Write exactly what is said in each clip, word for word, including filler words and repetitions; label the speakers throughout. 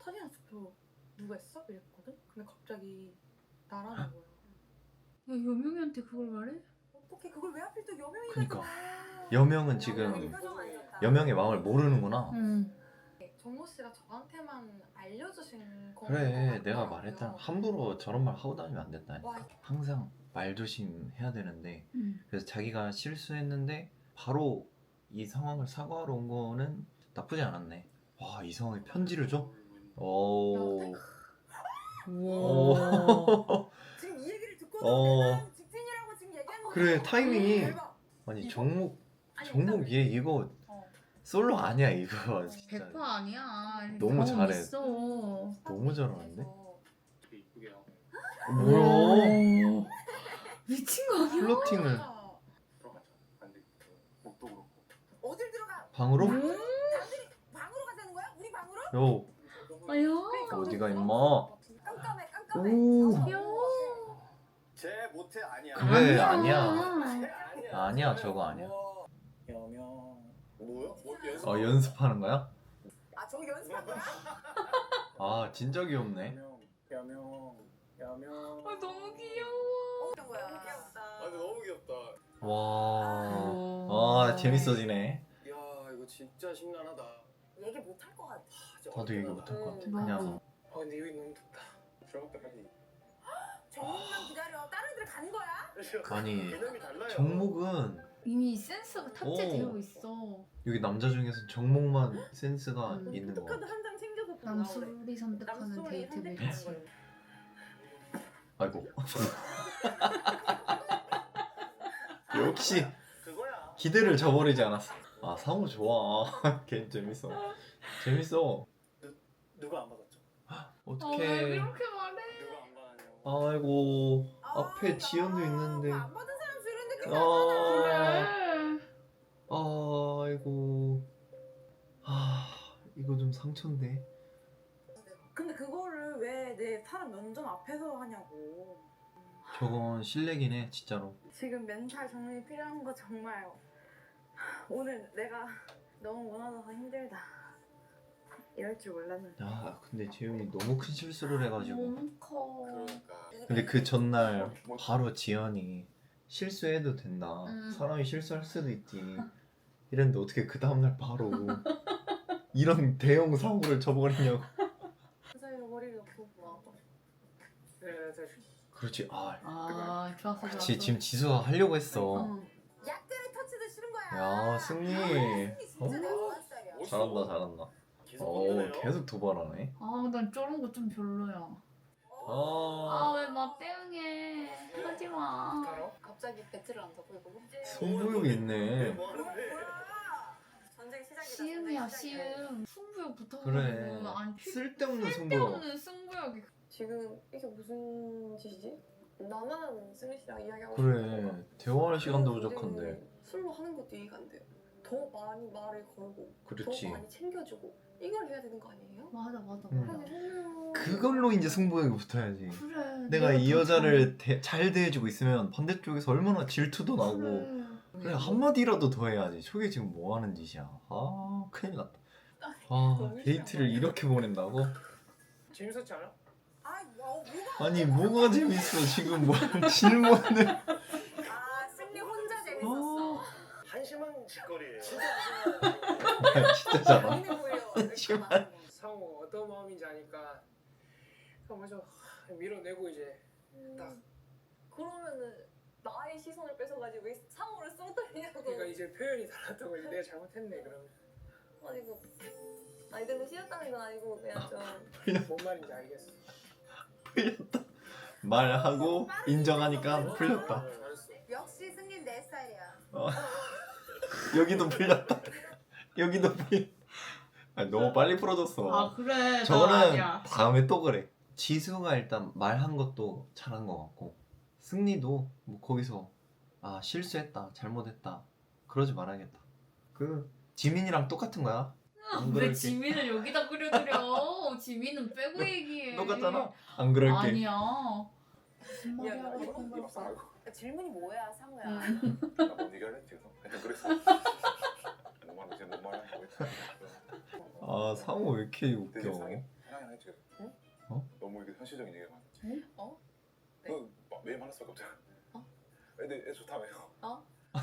Speaker 1: 사진 연습도 누가 했어? 이랬거든? 근데 갑자기 나라는 거야.
Speaker 2: 야 여명이한테 그걸 말해?
Speaker 1: 어떻게 그걸 왜 하필 또 여명이가
Speaker 3: 그니까.
Speaker 1: 봐.
Speaker 3: 여명은 지금 여명의 마음을 모르는구나.
Speaker 2: 응.
Speaker 1: 정모 씨가 저한테만 알려주신 거.
Speaker 3: 그래, 내가 말했잖아. 함부로 저런 말 하고 다니면 안 된다.
Speaker 1: 와,
Speaker 3: 항상 말 조심해야 되는데,
Speaker 2: 응.
Speaker 3: 그래서 자기가 실수했는데 바로 이 상황을 사과하러 온 거는 나쁘지 않았네. 와, 이 상황에 편지를 줘? 오. 오.
Speaker 1: 지금 이 얘기를 듣고
Speaker 3: 어.
Speaker 1: 내가 직진이라고 지금 얘기한 거.
Speaker 3: 그래, 타이밍이.
Speaker 1: 대박.
Speaker 3: 아니,
Speaker 1: 이거?
Speaker 3: 정목,
Speaker 1: 아니,
Speaker 3: 정목
Speaker 1: 일단-
Speaker 3: 얘 이거
Speaker 1: 어.
Speaker 3: 솔로 아니야, 이거. 진짜.
Speaker 2: 백 퍼센트 아니야.
Speaker 3: 너무
Speaker 2: 경험
Speaker 3: 잘해.
Speaker 2: 있어.
Speaker 3: 너무 잘하는데?
Speaker 1: 그래서
Speaker 4: 되게 이쁘게 하고
Speaker 3: 뭐야?
Speaker 2: 미친 거 아니야?
Speaker 3: 플러팅을
Speaker 4: 들어가자. 근데 그 옷도 그렇고
Speaker 1: 어딜 들어가?
Speaker 3: 방으로?
Speaker 1: 남들이 방으로 가자는 거야? 우리 방으로?
Speaker 3: 요,
Speaker 2: 아야.
Speaker 3: 어디가 임마?
Speaker 1: 깜깜해 깜깜해.
Speaker 3: 오.
Speaker 2: 야.
Speaker 4: 제 모태 아니야.
Speaker 3: 그래,
Speaker 2: 아니야.
Speaker 4: 제 아니야.
Speaker 3: 아니야, 저거 아니야.
Speaker 4: 여명 뭐야? 뭐 연습?
Speaker 3: 어, 연습하는 거야?
Speaker 1: 아 저기 연습한 거야?
Speaker 3: 아, 진짜 귀엽네.
Speaker 4: 여명 여명 여명.
Speaker 2: 아 너무 귀여워.
Speaker 1: 어떤 거야? 너무 귀엽다.
Speaker 4: 아 근데 너무 귀엽다.
Speaker 3: 와, 아, 재밌어지네.
Speaker 4: 이야 이거 진짜 심란하다.
Speaker 1: 얘기 못 할 것 같아.
Speaker 3: 나도 얘기 못 할 것 같아.
Speaker 1: 음.
Speaker 3: 그냥
Speaker 4: 아 근데 여기 너무 덥다. 들어갈 때까지.
Speaker 1: 정목만 기다려. 다른 애들 가는 거야?
Speaker 3: 아니,
Speaker 4: 개념이 달라요.
Speaker 3: 정목은
Speaker 2: 이미 센스가 탑재되어
Speaker 3: 오.
Speaker 2: 있어.
Speaker 3: 여기 남자 중에서 정목만 센스가
Speaker 2: 음.
Speaker 3: 있는 거
Speaker 1: 포토카드
Speaker 3: 같아.
Speaker 1: 한 장 챙겨서 보나 그래.
Speaker 2: 남술이 선택하는
Speaker 1: 남소리
Speaker 2: 데이트
Speaker 1: 선택하는
Speaker 2: 매치.
Speaker 1: 거예요.
Speaker 3: 아이고. 역시
Speaker 4: 그거야.
Speaker 3: 기대를 저버리지 않았어. 아, 상우 좋아. 걔 재밌어. 재밌어.
Speaker 4: 누가 안 받았죠?
Speaker 2: 아, 왜
Speaker 3: 어떡해.
Speaker 2: 이렇게 말해?
Speaker 4: 누가 안 받았냐고.
Speaker 3: 아이고.
Speaker 1: 아,
Speaker 3: 앞에 지연도
Speaker 1: 나
Speaker 3: 있는데.
Speaker 1: 안 받은 사람 주는 느낌
Speaker 3: 아.
Speaker 2: 그래.
Speaker 3: 아이고. 아, 이거 좀 상처인데.
Speaker 1: 근데 그거를 왜 내 사람 면접 앞에서 하냐고.
Speaker 3: 저건 실례긴 해, 진짜로.
Speaker 1: 지금 멘탈 정리 필요한 거 정말 오늘 내가 너무 무너져서 힘들다. 이럴 줄 몰랐는데.
Speaker 3: 야, 근데 재윤이 너무 큰 실수를 해가지고.
Speaker 2: 너무 커.
Speaker 4: 그러니까.
Speaker 3: 근데 그 전날 바로 지연이 실수해도 된다.
Speaker 2: 음.
Speaker 3: 사람이 실수할 수도 있지. 이랬는데 어떻게 그 다음날 바로 이런 대형 사고를 저버리냐고.
Speaker 1: 그 사이로 머리를 놓고 와.
Speaker 4: 네, 네, 네.
Speaker 3: 그렇지. 아,
Speaker 2: 아 좋았어 좋았어.
Speaker 3: 그렇지. 지금 지수가 하려고 했어.
Speaker 2: 응.
Speaker 1: 약간의 터치도 싫은 거야.
Speaker 3: 야, 승리.
Speaker 1: 승리 진짜
Speaker 3: 어?
Speaker 1: 내가 좋아하는 스타일이야.
Speaker 3: 잘한다, 잘한다.
Speaker 4: 계속
Speaker 3: 오,
Speaker 4: 건드네요.
Speaker 3: 계속 도발하네.
Speaker 2: 아난 저런 거 좀 별로야.
Speaker 3: 아,
Speaker 2: 아 왜 맞대응해? 하지 마.
Speaker 4: 알아?
Speaker 1: 갑자기 배틀을 한다고 이거?
Speaker 3: 승부욕 있네.
Speaker 4: 뭐 하는데?
Speaker 1: 전쟁 시작이다.
Speaker 2: 시음이야
Speaker 1: 전쟁 시작이야.
Speaker 2: 시음. 승부욕 붙어가지고
Speaker 3: 그래.
Speaker 2: 아니 필-
Speaker 3: 쓸데없는 승부욕.
Speaker 2: 쓸데없는 승부욕이.
Speaker 5: 지금 이게 무슨 짓이지? 나만 승리 씨랑 이야기하고
Speaker 3: 그래.
Speaker 5: 싶은
Speaker 3: 대화할 시간도 부족한데.
Speaker 5: 술로 하는 것도 이해가 안 돼요. 더 많이 말을 걸고
Speaker 3: 그렇지.
Speaker 5: 더 많이 챙겨주고 이걸 해야 되는 거 아니에요?
Speaker 2: 맞아 맞아
Speaker 3: 음.
Speaker 2: 맞아.
Speaker 5: 그러면
Speaker 3: 그걸로 이제 승부욕이 붙어야지.
Speaker 2: 그래.
Speaker 3: 내가 이
Speaker 2: 더
Speaker 3: 여자를 대, 잘 대해주고 있으면 반대쪽에서 얼마나 질투도
Speaker 2: 잘-
Speaker 3: 나고.
Speaker 2: 그래.
Speaker 3: 그래, 한마디라도 더 해야지. 저게 지금 뭐 하는 짓이야. 아, 큰일 났다. 아, 데이트를 이렇게 보낸다고?
Speaker 4: 재밌었지 않아?
Speaker 1: 아이 뭐 뭐가?
Speaker 3: 아니, 뭐가 재밌어. 지금 뭐 질문을.
Speaker 1: 아 승리 혼자 재밌었어.
Speaker 3: 아,
Speaker 4: 한심한 짓거리예요.
Speaker 3: 진짜 잘하.
Speaker 1: 본인이 보여. 이렇게
Speaker 3: 심한.
Speaker 1: 말하는 거.
Speaker 6: 상호 어떤 마음인지 아니까 그냥 먼저 밀어내고 이제 딱.
Speaker 5: 그러면은 나의 시선을 뺏어가지고 왜 상호를 쓰러뜨리냐고.
Speaker 6: 그러니까 이제 표현이 달랐던 거지. 내가 잘못했네 그러면.
Speaker 5: 아니 그 아이들은 싫었다는 건 아니고 그냥 좀
Speaker 6: 뭔 말인지 알겠어.
Speaker 3: 풀렸다. 말하고 인정하니까 풀렸다.
Speaker 6: 잘했어.
Speaker 1: 역시 승리 내 스타일이야.
Speaker 3: 어. 여기도 풀렸다. 여기도 풀렸다. 아니, 너무 빨리 풀어줬어.
Speaker 2: 아 그래. 나
Speaker 3: 저거는
Speaker 2: 아니야.
Speaker 3: 다음에 또 그래. 지수가 일단 말한 것도 잘한 것 같고, 승리도 뭐 거기서 아 실수했다, 잘못했다 그러지 말아야겠다. 그 지민이랑 똑같은 거야. 안
Speaker 2: 왜
Speaker 3: 그럴게.
Speaker 2: 지민을 여기다 그려드려? 지민은 빼고 얘기해.
Speaker 3: 똑같잖아. 안 그럴게.
Speaker 2: 아니야. 무슨 말이야?
Speaker 5: 야, 나
Speaker 2: 이건
Speaker 5: 이거
Speaker 2: 봐.
Speaker 1: 질문이 뭐야 상우야?
Speaker 2: 응.
Speaker 4: 나뭔 얘기할래? 계속. 하여튼 그랬어. 뭔 말인지 뭔 말인지 모르겠어.
Speaker 3: 아, 상호 왜 이렇게
Speaker 4: 되게
Speaker 3: 웃겨.
Speaker 4: 이상해. 하나 어떻게?
Speaker 5: 응?
Speaker 3: 어?
Speaker 4: 너무 이게 현실적인 얘기가 많아.
Speaker 5: 응? 어? 네.
Speaker 4: 너 막 매일 만날 수밖에 없잖아.
Speaker 5: 어?
Speaker 4: 근데 애 좋다며요.
Speaker 5: 어?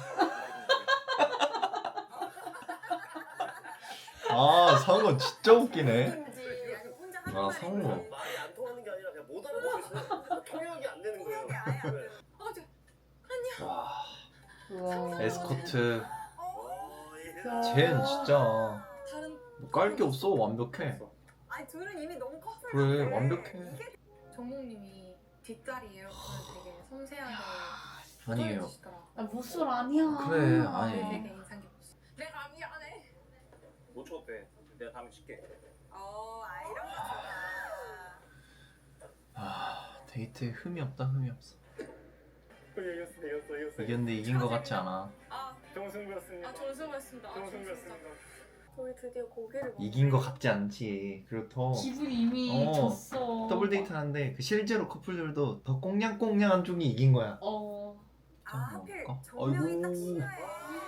Speaker 3: 아 상우 진짜 웃기네.
Speaker 1: 아니 아니 혼자 하는
Speaker 3: 아,
Speaker 1: 말이
Speaker 3: 성우.
Speaker 1: 있지.
Speaker 7: 말이 안 통하는 게 아니라 그냥 못 알아보고 있어요. 통역이 안 되는 거예요.
Speaker 1: 통역이 아예 안
Speaker 7: 네.
Speaker 1: 되는
Speaker 5: 어, 저,
Speaker 3: 와
Speaker 2: 우와.
Speaker 3: 에스코트.
Speaker 7: 어, 예.
Speaker 3: 쟤는 진짜
Speaker 5: 다른
Speaker 3: 깔 게 없어. 완벽해.
Speaker 1: 아니 둘은 이미 너무 커플
Speaker 3: 그래,
Speaker 1: 같아.
Speaker 3: 완벽해.
Speaker 1: 이게
Speaker 5: 정목님이 뒷자리 에어컨을 되게 섬세하게
Speaker 3: 아니에요.
Speaker 5: 해주시더라.
Speaker 2: 아, 모쏠 아니야.
Speaker 3: 그래,
Speaker 5: 그게
Speaker 3: 아니.
Speaker 5: 되게 인상 깊었어. 내가 미안해.
Speaker 7: 못 쳤대. 내가 다음에 칠게.
Speaker 1: 어, 아 이런 거 좋아.
Speaker 3: 아 데이트에 흠이 없다. 흠이 없어.
Speaker 4: 이겼어, 이겼어, 이겼어.
Speaker 3: 이겼는데 이긴 거 같지 않아.
Speaker 5: 아,
Speaker 4: 좋은 승부였습니다.
Speaker 5: 아 좋은 승부였습니다. 아,
Speaker 4: 좋은
Speaker 5: 좋은
Speaker 4: 승부였습니다.
Speaker 5: 승부였습니다.
Speaker 1: 저희 드디어 고기를 먹.
Speaker 3: 이긴 거 같지 않지. 그리고 더
Speaker 2: 기분이 이미
Speaker 3: 어,
Speaker 2: 졌어.
Speaker 3: 더블 데이트 하는데 그 실제로 커플들도 더 꽁냥꽁냥한 쪽이 이긴 거야.
Speaker 2: 어.
Speaker 1: 아 하필
Speaker 3: 먹을까?
Speaker 1: 정명이 딱
Speaker 3: 아이고.
Speaker 1: 싫어해.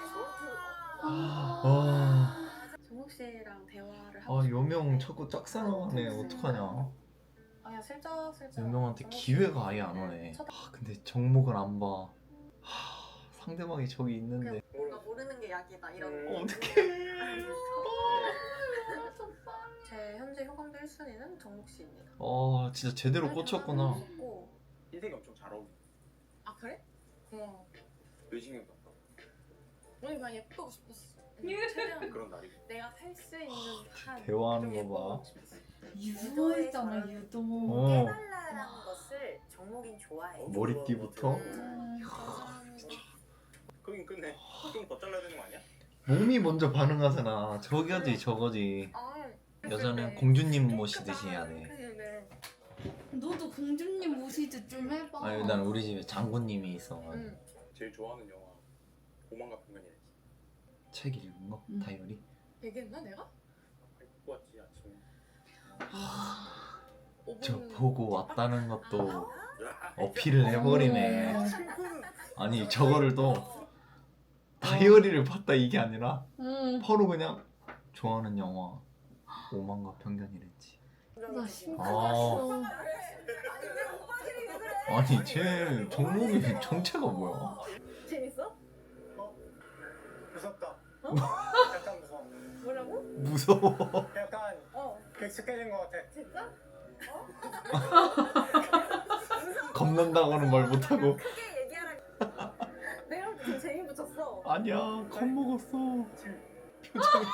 Speaker 3: 아,
Speaker 5: 정목 씨랑 대화를 하고
Speaker 3: 아 요명 자꾸 짝사랑하네. 어떡하냐.
Speaker 5: 아니야 슬쩍 슬쩍
Speaker 3: 요명한테
Speaker 5: 정목
Speaker 3: 기회가 아예 안 오네.
Speaker 5: 쳐다-
Speaker 3: 아, 근데 정목을 안 봐. 하, 상대방이 저기 있는데.
Speaker 1: 뭔가 모르는 게 약이다 이런.
Speaker 4: 음.
Speaker 3: 어떡해.
Speaker 5: 제 현재 효감도 일 순위는 정목 씨입니다.
Speaker 3: 아 진짜 제대로 꽂혔구나.
Speaker 5: 고
Speaker 7: 인생이 엄청 잘 어울려.
Speaker 5: 아 그래? 고마워.
Speaker 7: 의심이 없다.
Speaker 5: 오늘 그냥 예쁘고 싶었어. 최대한
Speaker 7: 그런 날이.
Speaker 5: 내가 살 수 있는 한
Speaker 3: 대화하는
Speaker 5: 좀
Speaker 3: 거 봐.
Speaker 5: 예뻐보고 싶었어.
Speaker 2: 유도했잖아, 유도.
Speaker 3: 어.
Speaker 1: 깨달라라는 것을 정목인 좋아해.
Speaker 3: 머리띠부터
Speaker 2: 음.
Speaker 7: 그긴 끝내. 좀 더 잘라야 되는 거 아니야?
Speaker 3: 몸이 먼저 반응하잖아. 저거지 저거지.
Speaker 5: 아,
Speaker 3: 여자는 공주님 모시듯이 해야 돼.
Speaker 5: 네.
Speaker 2: 너도 공주님 모시듯 좀 해봐.
Speaker 3: 아니 난 우리 집에 장군님이 있어.
Speaker 5: 응.
Speaker 7: 제일 좋아하는 영화 오만과 평면이야지.
Speaker 3: 책 읽은 거?
Speaker 2: 음.
Speaker 3: 다이어리?
Speaker 5: 얘기했나 내가?
Speaker 7: 입고 왔지 아침에.
Speaker 3: 저
Speaker 5: 오븐-
Speaker 3: 보고 왔다는 것도
Speaker 7: 야,
Speaker 3: 어필을 해버리네.
Speaker 2: 어.
Speaker 3: 아니 저거를 또 다이어리를 봤다 이게 아니라
Speaker 2: 응.
Speaker 3: 바로 그냥 좋아하는 영화 오만과 편견이랬지.
Speaker 2: 나 심쿵.
Speaker 3: 아.
Speaker 1: 아니 왜 오빠들이 왜 그래?
Speaker 3: 아니 쟤 종목이 정체가 뭐야?
Speaker 1: 재밌어?
Speaker 6: 무섭다.
Speaker 1: 어?
Speaker 6: 약간 무서워.
Speaker 1: 뭐라고?
Speaker 3: 무서워.
Speaker 6: 약간
Speaker 1: 어
Speaker 6: 익숙해진 것 같아.
Speaker 1: 진짜?
Speaker 3: 겁난다고는 말 못하고.
Speaker 1: 크게 얘기하라. 내가 볼 때 지금 재미 붙였어.
Speaker 3: 아니야 겁먹었어. 표정이.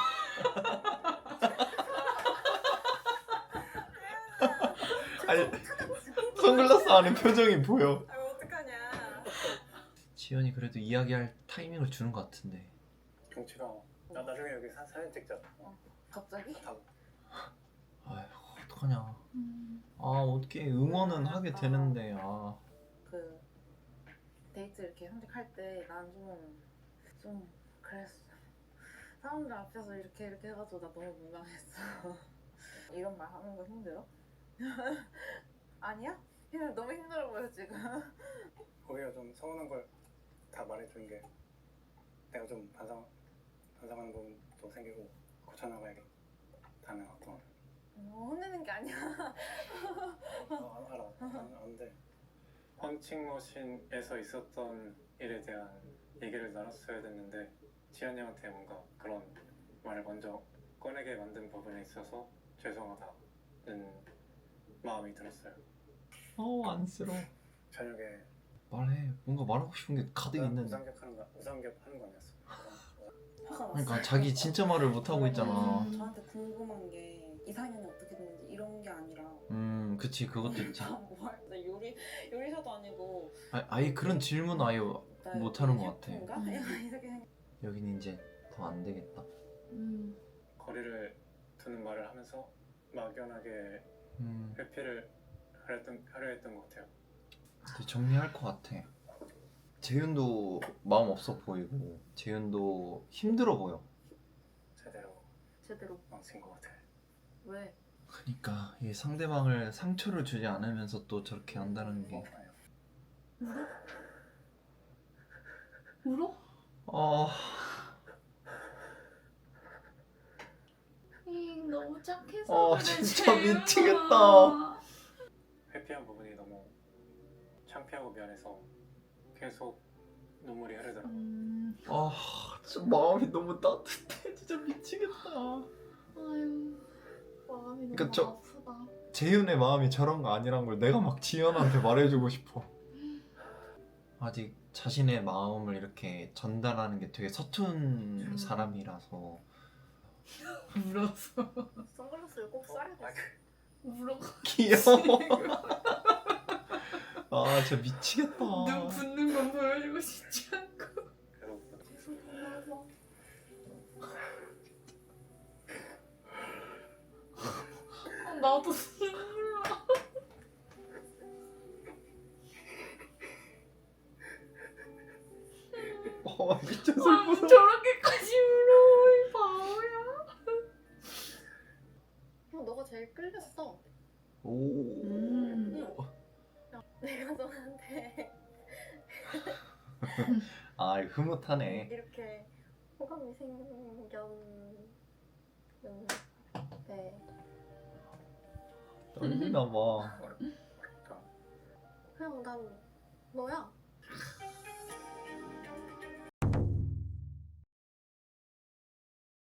Speaker 3: 아니 선글라스 안에 표정이 보여.
Speaker 1: 아 어떡하냐.
Speaker 3: 지연이 그래도 이야기할 타이밍을 주는 것 같은데.
Speaker 6: 경치가. 나 나중에 여기 사, 사진 찍자.
Speaker 5: 갑자기?
Speaker 3: 아휴 어떡하냐.
Speaker 2: 음.
Speaker 3: 아 어떻게 응원은 하게 되는데 아.
Speaker 1: 그 데이트 이렇게 선택할 때 난 좀 좀 그랬어. 사람들 앞에서 이렇게 이렇게 해가지고 나 너무 민망했어. 이런 말 하는 거 힘들어? 아니야? 그냥 너무 힘들어 보여 지금.
Speaker 6: 거기가 좀 서운한 걸 다 말해준 게 내가 좀 반성 반성하는 부분도 생기고 고쳐나가야겠. 다음에 어떤
Speaker 1: 어, 혼내는 게 아니야.
Speaker 6: 어, 알아 안- 아는데 펀칭머신에서 있었던 일에 대한 얘기를 나눴어야 됐는데 지연님한테 뭔가 그런 말을 먼저 꺼내게 만든 부분에 있어서 죄송하다는 마음이 들었어요.
Speaker 3: 어우 안쓰러워.
Speaker 6: 저녁에
Speaker 3: 말해. 뭔가 말하고 싶은 게 가득 있는데.
Speaker 6: 우상겹 하는 거 우상겹 하는 거 아니었어?
Speaker 1: 화가 났어.
Speaker 3: 그러니까 자기 진짜 말을 못 하고 있잖아.
Speaker 2: 음.
Speaker 1: 저한테 궁금한 게 이상형이 어떻게 됐는지 이런 게 아니라
Speaker 3: 음 그치 그것도 있지.
Speaker 1: 나 뭐, 나 요리 요리사도 아니고
Speaker 3: 아, 아예 그런 질문 아예
Speaker 1: 나
Speaker 3: 못하는 것 같아.
Speaker 1: 셰프인가?
Speaker 2: 음.
Speaker 1: 이렇게 생각.
Speaker 3: 여기는 이제 더 안 되겠다.
Speaker 2: 음.
Speaker 6: 거리를 두는 말을 하면서 막연하게
Speaker 3: 음
Speaker 6: 회피를 하려던, 하려 했던 것 같아요.
Speaker 3: 이제 정리할 것 같아. 재윤도 마음 없어 보이고 재윤도 힘들어 보여.
Speaker 6: 제대로
Speaker 1: 제대로
Speaker 6: 망친 것 같아.
Speaker 1: 왜?
Speaker 3: 그러니까 이 상대방을 상처를 주지 않으면서 또 저렇게 한다는 게.
Speaker 2: 울어?
Speaker 3: 어
Speaker 2: 잉. 너무 착해서
Speaker 3: 아,
Speaker 2: 그래,
Speaker 3: 진짜
Speaker 2: 재윤아.
Speaker 3: 미치겠다.
Speaker 6: 회피한 부분이 너무 창피하고 미안해서 계속 눈물이 흐르더라고.
Speaker 2: 음,
Speaker 3: 아 진짜 마음이 너무 따뜻해. 진짜 미치겠다.
Speaker 2: 아유, 마음이 너무
Speaker 3: 그쵸.
Speaker 2: 아프다.
Speaker 3: 재윤의 마음이 저런 거 아니란 걸 내가 막 지연한테 말해주고 싶어. 아직 자신의 마음을 이렇게 전달하는 게 되게 서툰 사람이라서
Speaker 2: 울었어.
Speaker 5: 선글라스를 꼭 써야 돼.
Speaker 2: 울어.
Speaker 3: 귀여워. 아 진짜 미치겠다.
Speaker 2: 눈 붓는 건 보여주고 싶지 않고.
Speaker 6: 그래서
Speaker 2: 아, 나도 눈물 나.
Speaker 3: 어 미쳐서
Speaker 2: 아, 뭐
Speaker 3: 울어.
Speaker 2: 저렇게까지 울어, 이 바보야.
Speaker 5: 형 너가 제일 끌렸어.
Speaker 3: 오.
Speaker 2: 음.
Speaker 5: 내가 너한테
Speaker 3: 아 흐뭇하네.
Speaker 5: 이렇게 호감이 생겼는데
Speaker 3: 떨리나 봐.
Speaker 6: 어렵다.
Speaker 5: 그냥 난 너야.